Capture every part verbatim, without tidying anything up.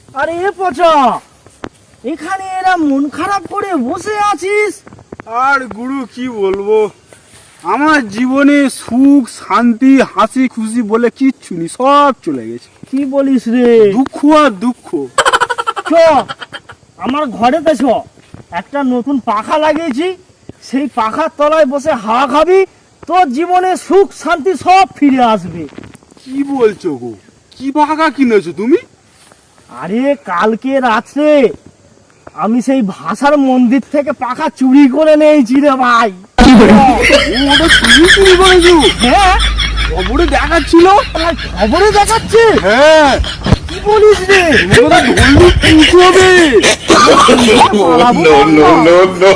আরে এ পচা, এখানে এরা মন খারাপ করে বসে আছিস? আর গুরু কি বলবো, আমার জীবনে সুখ শান্তি হাসি খুশি বলে কিচ্ছু নেই, সব চলে গেছে। কি বলিস রে? দুঃখ আর দুঃখ। চ আমার ঘরেতে চ, একটা নতুন পাখা লাগিয়েছি, সেই পাখার তলায় বসে হাওয়া খাবি, তোর জীবনে সুখ শান্তি সব ফিরে আসবে। কি বলছো গো, কি পাখা কিনেছো তুমি? আরে কালকে রাত্রে আমি সেই ভাষার মন্দির থেকে পাখা চুরি করে নিয়েছি রে ভাই। ওটা তুমি চুরি করেছো? হ্যাঁ, খবরে দেখাচ্ছিল। আমার খবরে দেখাচ্ছে। হ্যাঁ, কি বলিস রে? ওটা ধরলে পুষো হবে। No, no, no, no.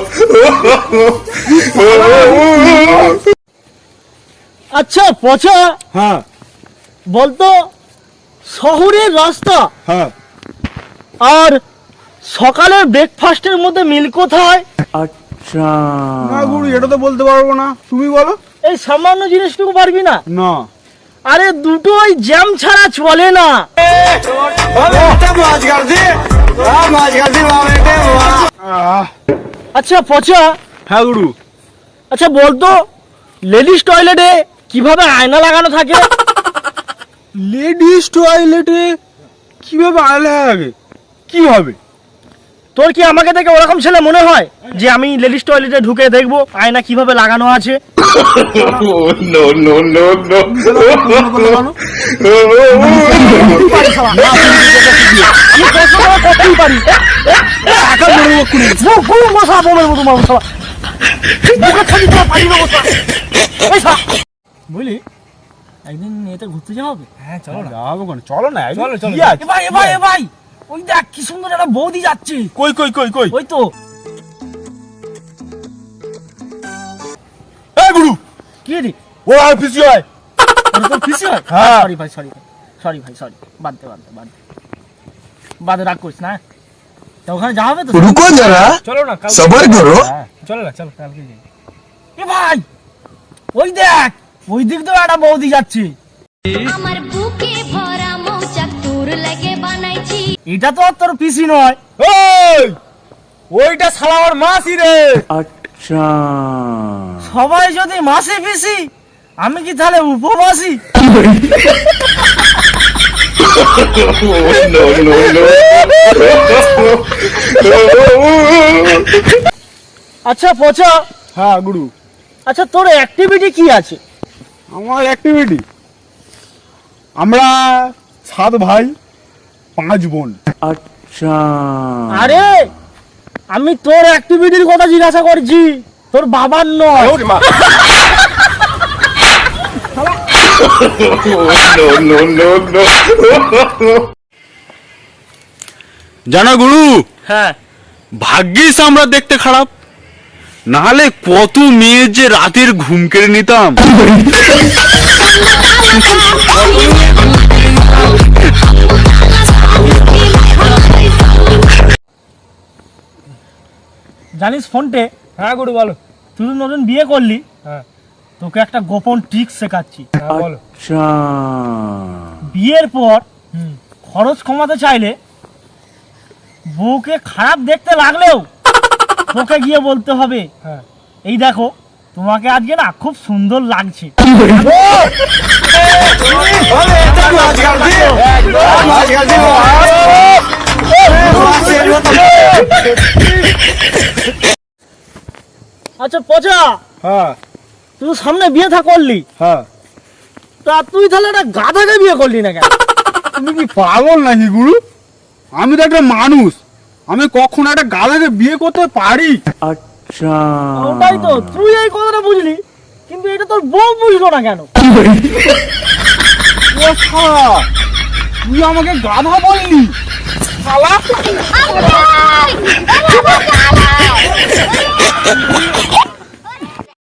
আচ্ছা পচা, হ্যাঁ বলতো শহরের রাস্তা হ্যাঁ আর সকালের ব্রেকফাস্টের মধ্যে মিল কোথায়? না গুরু, এটা তো বলতে পারবো না, তুমি বলো। এই সামান্য জিনিসটুকু পারবি না? না। আরে দুটোই জ্যাম ছাড়া চলে না। আহ, আচ্ছা পচা, হ্যাঁ গুরু। আচ্ছা বলতো লেডিস টয়লেটে কিভাবে আয়না লাগানো থাকে? লেডিস টয়লেটে কিভাবে আয়না লাগে? কিভাবে? তোর কি আমাকে দেখে ওরকম ছেলে মনে হয় যে আমি লেডিস টয়লেটে ঢুকে দেখবো আয়না কিভাবে লাগানো আছে? No, no, no, no. আমি কষ্ট করে করতেই পারি। টাকা মেরে মুখ খুলি। মুখ খুলে বসা বোমের মতো মানুষ সবাই। মুখে থাকি তোরা পারি না বসা। এই সা। বুঝলি, একদিন এতে ঘুরতে যাওয়া হবে? হ্যাঁ চলো না, যাবো কেন, চলো না। চলো, চলো। কি আছে? এ ভাই এ ভাই এ ভাই, ওই দেখ কি সুন্দর একটা বৌদি যাচ্ছে। কই কই কই কই? ওই তো। এই গুরু, কি রে? ও আর পিছি হয়। ওটা তোর পিসি হয়? হ্যাঁ। সরি ভাই, সরি সরি ভাই, সরি। বাদ দে বাদ দে বাদ দে। বাদ দে, রাগ করিস না। তা ওখানে যাওয়া হবে তো? रुको जरा চলো না, কালকে सबर करो হ্যাঁ। চলো না, চলো কালকে যাই। এ ভাই, ওই দেখ, ওই দিক দিয়ে একটা বৌদি যাচ্ছে। আমার বুকে ভরা মৌচাক তোর লাগে বানাইছি। এটা তো আর তোর পিসি নয়। ওই ওইটা শালা আমার মাসি রে। সবাই যদি মাসি পিসি, আমি কি তাহলে উপমাসি? No, no, no. আচ্ছা পচা, হ্যাঁ গুরু। আচ্ছা তোর অ্যাক্টিভিটি কি আছে? আমার অ্যাক্টিভিটি, আমরা সাত ভাই পাঁচ বোন। আরে আমি তোর অ্যাক্টিভিটির কথা জিজ্ঞাসা করছি, তোর বাবার নয়। No, no, no, no. জানা গুরু, হ্যাঁ, ভাগ্যিস আমরা দেখতে খারাপ, নাহলে কত মেয়ের যে রাতের ঘুম কেড়ে নিতাম। জানিস ফোনটে, হ্যাঁ গুরু বলো। তুই তো নতুন বিয়ে করলি, হ্যাঁ তোকে একটা গোপন ট্রিক শেখাচ্ছি। হ্যাঁ বলো। বিয়ের পর হুম। খরচ কমাতে চাইলে বউকে খারাপ দেখতে লাগলেও তোকে গিয়ে বলতে হবে, হ্যাঁ এই দেখো তোমাকে আজকে না খুব সুন্দর লাগছে। আচ্ছা পচা, হ্যাঁ তুই তো সামনে বিয়ে থা করলি, হ্যাঁ। তা তুই তাহলে একটা গাধাকে বিয়ে করলি না কেন? তুমি কি পাগল নাকি গুরু? আমি তো একটা মানুষ, আমি কখনো একটা গাধাকে বিয়ে করতে পারি? ওটাই তো, তুই এই কথাটা বুঝলি, কিন্তু এটা তোর বউ বুঝলো না কেন? ও শালা, তুই আমাকে গাধা বললি শালা? আল্লাহ! আল্লাহ!